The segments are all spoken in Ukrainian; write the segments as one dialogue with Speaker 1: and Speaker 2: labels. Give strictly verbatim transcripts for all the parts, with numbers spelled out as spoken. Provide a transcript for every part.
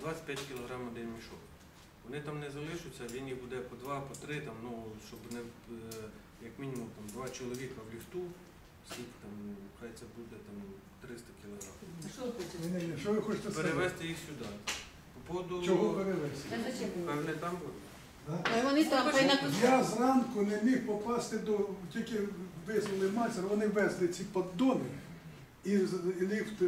Speaker 1: двадцять п'ять кілограмів один мішок. Вони там не залишаться, він їх буде по два, по три, там, ну, щоб не, як мінімум там, два чоловіка в ліфту, скільки там, хай це буде там, триста кілограмів.
Speaker 2: Що ви хочете сказати?
Speaker 1: Перевезти їх сюди. По поводу...
Speaker 2: Чого перевезти?
Speaker 1: Певне там буде.
Speaker 3: А вони там
Speaker 2: Я зранку не міг попасти до, тільки визвали майстер, вони везли ці поддони і ліфт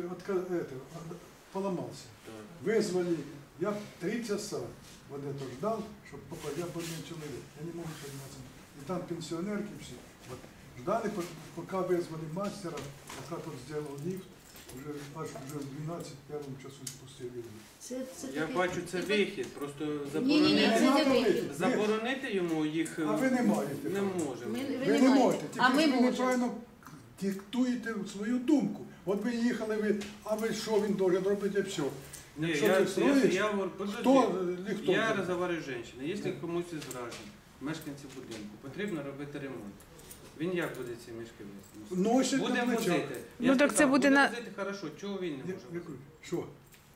Speaker 2: поламався. Визвали, я три часа вот это ждал, чтобы попасть, я был один человек, я не могу подниматься. И там пенсионерки все. Вот. Ждали, пока вызвали мастера, пока тот сделал лифт, уже аж уже в двенадцать первом часу спустили.
Speaker 1: Я бачу, це вихід, просто
Speaker 3: Ні, ні, ні, це не
Speaker 1: заборонити,
Speaker 3: вихід.
Speaker 1: заборонити йому їх
Speaker 2: А ви не маєте.
Speaker 1: не можемо.
Speaker 3: Ми-
Speaker 2: Ви не можете,
Speaker 3: А ми
Speaker 2: тільки ви
Speaker 3: можемо.
Speaker 2: неправильно диктуєте свою думку. От ви їхали, ви, а ви що він должен робити, все.
Speaker 1: Ні,
Speaker 2: Якщо
Speaker 1: я,
Speaker 2: ти
Speaker 1: я,
Speaker 2: строїш,
Speaker 1: я, говорю, подожди,
Speaker 2: хто ліхто?
Speaker 1: я розговорю з жінкою. Якщо комусь із граждан, мешканців будинку, потрібно робити ремонт. Він як буде ці мішки вести?
Speaker 2: Носять
Speaker 1: Буде
Speaker 2: на плечах.
Speaker 1: возити.
Speaker 4: Ну,
Speaker 1: Я
Speaker 4: так
Speaker 1: сказав,
Speaker 4: це буде на-
Speaker 1: возити, хорошо, чого він не
Speaker 2: Я-
Speaker 1: може
Speaker 2: я
Speaker 1: возити?
Speaker 2: кажу, Що?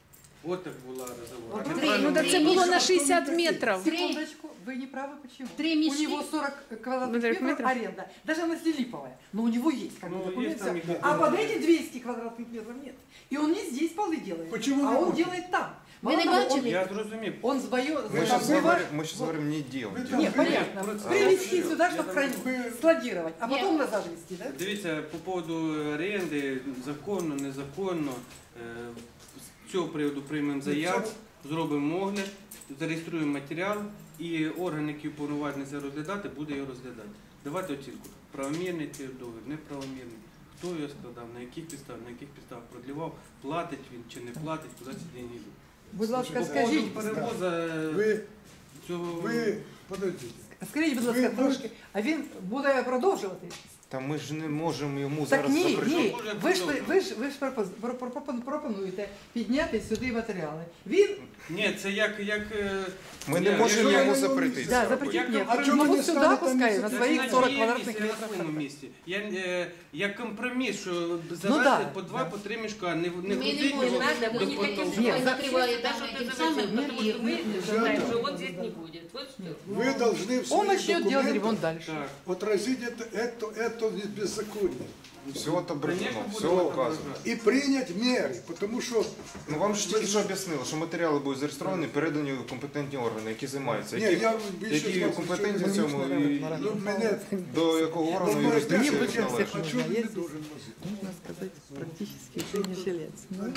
Speaker 1: От так була розговор.
Speaker 3: От
Speaker 1: А
Speaker 3: три,
Speaker 1: неправильно
Speaker 4: Ну так це
Speaker 1: ми-
Speaker 4: було на
Speaker 2: Что
Speaker 4: шістдесят
Speaker 2: вы такие?
Speaker 4: метрів.
Speaker 5: Секундочку, вы не правы, почему?
Speaker 3: Три
Speaker 5: У
Speaker 3: мешки.
Speaker 5: него сорок квадратных
Speaker 4: Метров
Speaker 5: метров
Speaker 4: метров?
Speaker 5: аренда, даже она липовая, но у него есть как бы
Speaker 1: Ну,
Speaker 5: документ,
Speaker 1: есть там
Speaker 5: всё.
Speaker 1: и-
Speaker 5: А под эти двести квадратных метров нет. И он не здесь полы делает,
Speaker 2: Почему
Speaker 5: а
Speaker 2: не
Speaker 5: он
Speaker 2: может?
Speaker 5: делает там.
Speaker 3: Вы
Speaker 5: Мало
Speaker 3: не
Speaker 5: того,
Speaker 3: бачили?
Speaker 5: он-
Speaker 1: Я зрозумів.
Speaker 5: Он сбоё...
Speaker 6: Мы
Speaker 2: там
Speaker 6: сейчас
Speaker 2: бывает-
Speaker 6: говорим, мы сейчас говорим не делать.
Speaker 2: Вы там-
Speaker 5: Нет, понятно.
Speaker 1: Просто-
Speaker 5: Привезти
Speaker 1: а
Speaker 5: сюда,
Speaker 1: я
Speaker 5: чтобы
Speaker 1: там-
Speaker 5: хранить,
Speaker 2: вы-
Speaker 5: складировать, а потом
Speaker 3: Нет.
Speaker 5: назад везти, да?
Speaker 1: Дивіться, по поводу оренди, законно, незаконно, е, з цього приводу приймемо заяву, зробимо огляд, зареєструємо матеріал і орган, який уповноважений це розглядати, буде його розглядати. Давати оцінку. Правомірний цей договір, неправомірний. Хто його складав, на яких підставах, на яких підставах продлівав, платить він чи не платить, куди ці деньги йдуть.
Speaker 5: Будь ласка,
Speaker 1: По поводу
Speaker 5: скажіть,
Speaker 1: перевоза
Speaker 2: Ви,
Speaker 1: цього...
Speaker 2: ви, подождіть.
Speaker 5: скажіть, будь ласка,
Speaker 2: Ви-
Speaker 5: трошки, а він буде продовжувати?
Speaker 6: Та ми ж не можемо йому
Speaker 5: Так
Speaker 6: зараз
Speaker 5: ні,
Speaker 6: запретити.
Speaker 5: ні,
Speaker 1: Може,
Speaker 5: ви ж,
Speaker 1: продовжуємо.
Speaker 5: ви ж, ви ж пропоз- про- про- пропон- пропонуєте підняти сюди матеріали. Він
Speaker 1: Ні, це як... як е,
Speaker 6: Ми
Speaker 1: ні,
Speaker 6: не можемо
Speaker 1: якщо-
Speaker 6: йому
Speaker 2: я-
Speaker 6: запретити.
Speaker 5: Да,
Speaker 6: це
Speaker 5: запретить
Speaker 6: робити.
Speaker 5: нет.
Speaker 1: А
Speaker 5: Ну,
Speaker 2: чому
Speaker 5: вот
Speaker 2: не
Speaker 5: сюда
Speaker 2: ставите
Speaker 5: пускай,
Speaker 2: на
Speaker 5: на
Speaker 2: місце?
Speaker 5: своих
Speaker 1: Це
Speaker 5: сорок
Speaker 1: на моєму
Speaker 5: квадратных
Speaker 1: місці, я на своєму
Speaker 5: метров.
Speaker 1: місці. Я, е, як компроміс, що
Speaker 5: Ну
Speaker 1: завести
Speaker 5: да,
Speaker 1: по два,
Speaker 5: да.
Speaker 1: по три мішка, не, не
Speaker 3: Ми не
Speaker 1: ходити
Speaker 3: можемо,
Speaker 1: його
Speaker 3: надо,
Speaker 1: до
Speaker 3: мы не хотим,
Speaker 1: потолку.
Speaker 3: чтобы
Speaker 5: Нет,
Speaker 3: он
Speaker 5: за-
Speaker 3: накрывали там
Speaker 7: Даже
Speaker 3: этим
Speaker 7: это
Speaker 3: самым.
Speaker 7: зачем? Потому что мы
Speaker 2: Ребята,
Speaker 7: знаем, что он здесь не будет. Вот что.
Speaker 2: Ви должны в
Speaker 5: Он
Speaker 2: своих
Speaker 5: начнет делать ремонт
Speaker 2: документах
Speaker 5: дальше.
Speaker 1: Так.
Speaker 2: отразить это, это, это беззаконие.
Speaker 6: Все отображено,
Speaker 1: Конечно,
Speaker 6: все
Speaker 1: буде
Speaker 6: указано.
Speaker 1: отображено.
Speaker 2: И принять меры, потому что...
Speaker 6: Ну вам ж тільки що об'яснили, що матеріали будуть зареєстровані, передані в компетентні органи, які займаються.
Speaker 2: Ні,
Speaker 6: Які,
Speaker 2: я більше
Speaker 6: які
Speaker 2: з вас
Speaker 6: компетентні в
Speaker 2: нічого
Speaker 6: цьому
Speaker 2: не
Speaker 6: і
Speaker 2: Ну, мене...
Speaker 6: до якого органу
Speaker 2: Ну,
Speaker 6: юрисдикції
Speaker 2: знаєте,
Speaker 5: будь-яких
Speaker 6: належить.
Speaker 2: А чого він не должен возити?
Speaker 5: Можно сказать, практически не жилец.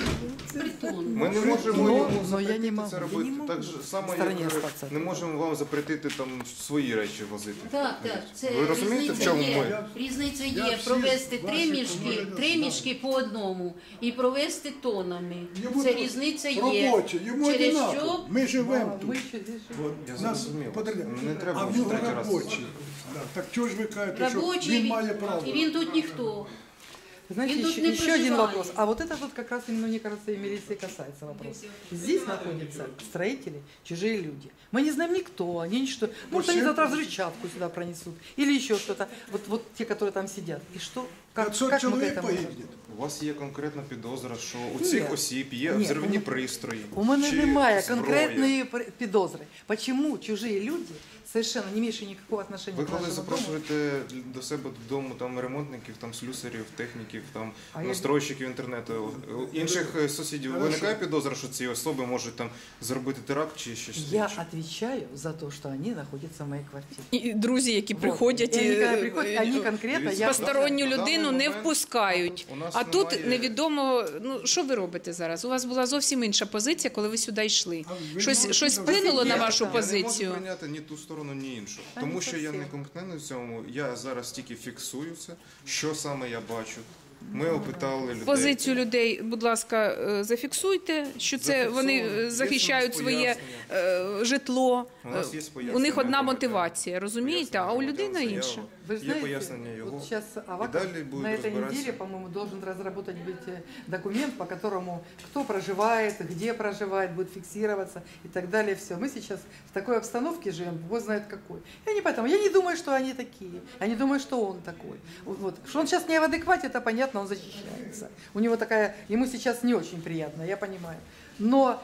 Speaker 3: Притон.
Speaker 6: Ми не можемо
Speaker 5: Но-
Speaker 6: йому
Speaker 5: но я не
Speaker 6: запретити
Speaker 5: могу.
Speaker 6: це
Speaker 5: Я
Speaker 6: робити.
Speaker 5: не могу
Speaker 6: Так же само,
Speaker 5: в
Speaker 6: як
Speaker 5: стороні
Speaker 6: е,
Speaker 5: остатися.
Speaker 6: не можемо вам запретити там свої речі возити.
Speaker 3: Так, так, це
Speaker 6: Ви розумієте, в
Speaker 3: різниця
Speaker 6: чому
Speaker 3: є.
Speaker 6: ми?
Speaker 3: Різниця
Speaker 2: Я
Speaker 3: є
Speaker 2: всі
Speaker 3: провести три
Speaker 2: ваші
Speaker 3: мішки,
Speaker 2: комунальні
Speaker 3: три
Speaker 2: знаю.
Speaker 3: мішки по одному і провести тонами.
Speaker 2: Йому
Speaker 3: Це
Speaker 2: тут
Speaker 3: різниця є.
Speaker 2: робоче, йому
Speaker 3: Через
Speaker 2: одинаково.
Speaker 3: що
Speaker 2: Ми живемо
Speaker 5: Мы
Speaker 2: тут.
Speaker 5: еще здесь живем.
Speaker 2: От,
Speaker 6: Я
Speaker 2: нас
Speaker 6: зрозумів.
Speaker 2: подивляють.
Speaker 6: Не треба
Speaker 2: А в
Speaker 6: вже
Speaker 2: нього
Speaker 6: третій раз.
Speaker 2: робочий. Да. Так чого ж ви кажете, що
Speaker 3: Робочий,
Speaker 2: він має право?
Speaker 3: і він тут ніхто.
Speaker 5: Знаете,
Speaker 3: И тут
Speaker 5: еще,
Speaker 3: не
Speaker 5: еще один
Speaker 3: проживает.
Speaker 5: вопрос. А вот это вот как раз, ну, мне кажется, и милиции касается вопрос. Здесь находятся строители, чужие люди. Мы не знаем никто, они ничто. Может, они завтра взрывчатку сюда пронесут. Или еще что-то. Вот, вот те, которые там сидят. И что? Как,
Speaker 2: п'ятсот
Speaker 5: как мы к
Speaker 2: чоловік
Speaker 5: этому?
Speaker 2: погибне.
Speaker 6: У вас є конкретна підозра, що у
Speaker 5: Ні.
Speaker 6: цих осіб є
Speaker 5: Ні,
Speaker 6: взривні
Speaker 5: у-
Speaker 6: пристрої.
Speaker 5: У мене
Speaker 6: чи
Speaker 5: немає
Speaker 6: зброя.
Speaker 5: конкретної пр- підозри. Почему чужие люди, совершенно не имеющие никакого отношения
Speaker 6: Ви
Speaker 5: к
Speaker 6: коли
Speaker 5: нашему дому,
Speaker 6: запрошуєте до себе додому там ремонтників, там слюсарів, техніків, там
Speaker 5: А я-
Speaker 6: настройщиків інтернету, у інших е, сусідів
Speaker 2: Хорошо.
Speaker 6: виникає підозра, що ці особи можуть там зробити теракт чи щось
Speaker 5: я
Speaker 6: інше?
Speaker 5: отвечаю за то, что они находятся в моей квартире.
Speaker 4: І друзі, які
Speaker 5: Вот.
Speaker 4: приходять,
Speaker 5: И они, когда
Speaker 4: і,
Speaker 5: приходят,
Speaker 4: е,
Speaker 5: они конкретно,
Speaker 6: Дивіться,
Speaker 5: я...
Speaker 4: посторонню
Speaker 6: На даний
Speaker 4: людину не
Speaker 6: момент
Speaker 4: впускають.
Speaker 6: у нас
Speaker 4: А тут
Speaker 6: немає-
Speaker 4: невідомо, ну що ви робите зараз? У вас була зовсім інша позиція, коли ви сюди йшли.
Speaker 2: А ви
Speaker 4: Щось,
Speaker 2: можете
Speaker 4: щось
Speaker 2: давати
Speaker 4: вплинуло на
Speaker 5: Я
Speaker 4: вашу
Speaker 5: не
Speaker 6: Я не
Speaker 4: позицію?
Speaker 6: можу прийняти ні ту сторону, ні іншу.
Speaker 5: Та
Speaker 6: Тому
Speaker 5: не
Speaker 6: що я
Speaker 5: зовсім.
Speaker 6: не компетентний в цьому. Я зараз тільки фіксую це, що саме я бачу. Ми опитали людей.
Speaker 4: Позицію людей, будь ласка, е, зафіксуйте, що це
Speaker 6: Зафіксовано.
Speaker 4: вони
Speaker 6: Є
Speaker 4: е, захищають
Speaker 6: у нас
Speaker 4: своє
Speaker 6: пояснення.
Speaker 4: е, житло.
Speaker 6: У нас є
Speaker 4: Е, У
Speaker 6: пояснення
Speaker 4: них одна
Speaker 6: громадян.
Speaker 4: мотивація, розумієте, а у
Speaker 6: Пояснення
Speaker 4: людини
Speaker 6: громадян,
Speaker 4: інша.
Speaker 6: заява.
Speaker 5: Вы
Speaker 6: Є
Speaker 5: знаете,
Speaker 6: пояснення його.
Speaker 5: вот сейчас
Speaker 6: І
Speaker 5: Аваков
Speaker 6: далі будуть
Speaker 5: на этой
Speaker 6: розбиратися.
Speaker 5: неделе, по-моему, должен разработать быть э, документ, по которому кто проживает, где проживает, будет фиксироваться и так далее. Все. Мы сейчас в такой обстановке живем, бог знает какой. Я не поэтому, я не думаю, что они такие. Я не думаю, что он такой. Вот, вот. Что он сейчас не в адеквате, это понятно, он защищается. У него такая, ему сейчас не очень приятно, я понимаю. Но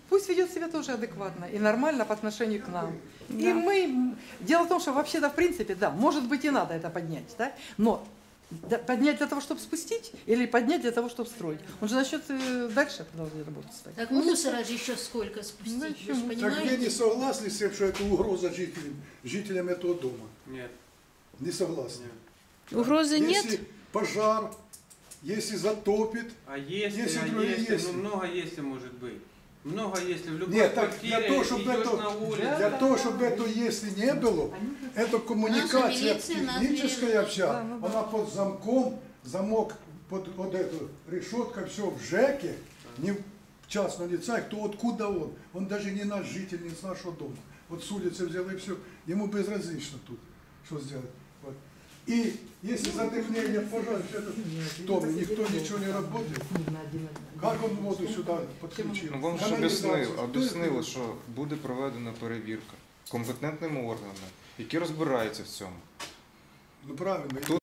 Speaker 5: Пусть ведет себя тоже адекватно и нормально по отношению к нам. И мы... Дело в том, что вообще-то, в принципе, да, может быть и надо это поднять, да? Но да, поднять для того, чтобы спустить, или поднять для того, чтобы строить? Он же начнет э, дальше продолжать работать. Стать.
Speaker 3: Так мусора же еще сколько спустить,
Speaker 5: Ну,
Speaker 3: вы
Speaker 5: еще
Speaker 3: же
Speaker 5: мусор.
Speaker 2: Так вы не
Speaker 3: понимаете?
Speaker 2: согласны с тем, что это угроза жителям, жителям этого дома?
Speaker 1: Нет,
Speaker 2: Не согласны?
Speaker 1: нет.
Speaker 4: Угрозы нет?
Speaker 2: Если пожар, если затопит,
Speaker 1: А если,
Speaker 2: Если
Speaker 1: а
Speaker 2: другие
Speaker 1: если,
Speaker 2: если.
Speaker 1: ну много если может быть. Много если в любой
Speaker 2: нет, так
Speaker 1: квартире
Speaker 2: для того, чтобы
Speaker 1: идешь
Speaker 2: это,
Speaker 1: на улицу.
Speaker 2: для того, чтобы это если не было, это коммуникация
Speaker 3: милиция нас
Speaker 2: техническая
Speaker 3: верила.
Speaker 2: вся,
Speaker 5: Да, ну да.
Speaker 2: она под замком, замок под вот эту решетка, все в ЖЭКе, не в частном лице, кто откуда он. Он даже не наш житель, не с нашего дома. Вот с улицы взял и все. Ему безразлично тут, что сделать. Вот. И если задыхание пожар, все это в доме, никто ничего не работает, как он воду сюда подключил?
Speaker 6: Ну, вам ж
Speaker 2: Каналізацію.
Speaker 6: об'яснили,
Speaker 2: Хто
Speaker 6: об'яснили,
Speaker 2: їх
Speaker 6: що буде проведена перевірка компетентними органами, які розбираються в цьому.
Speaker 2: Ну правильно.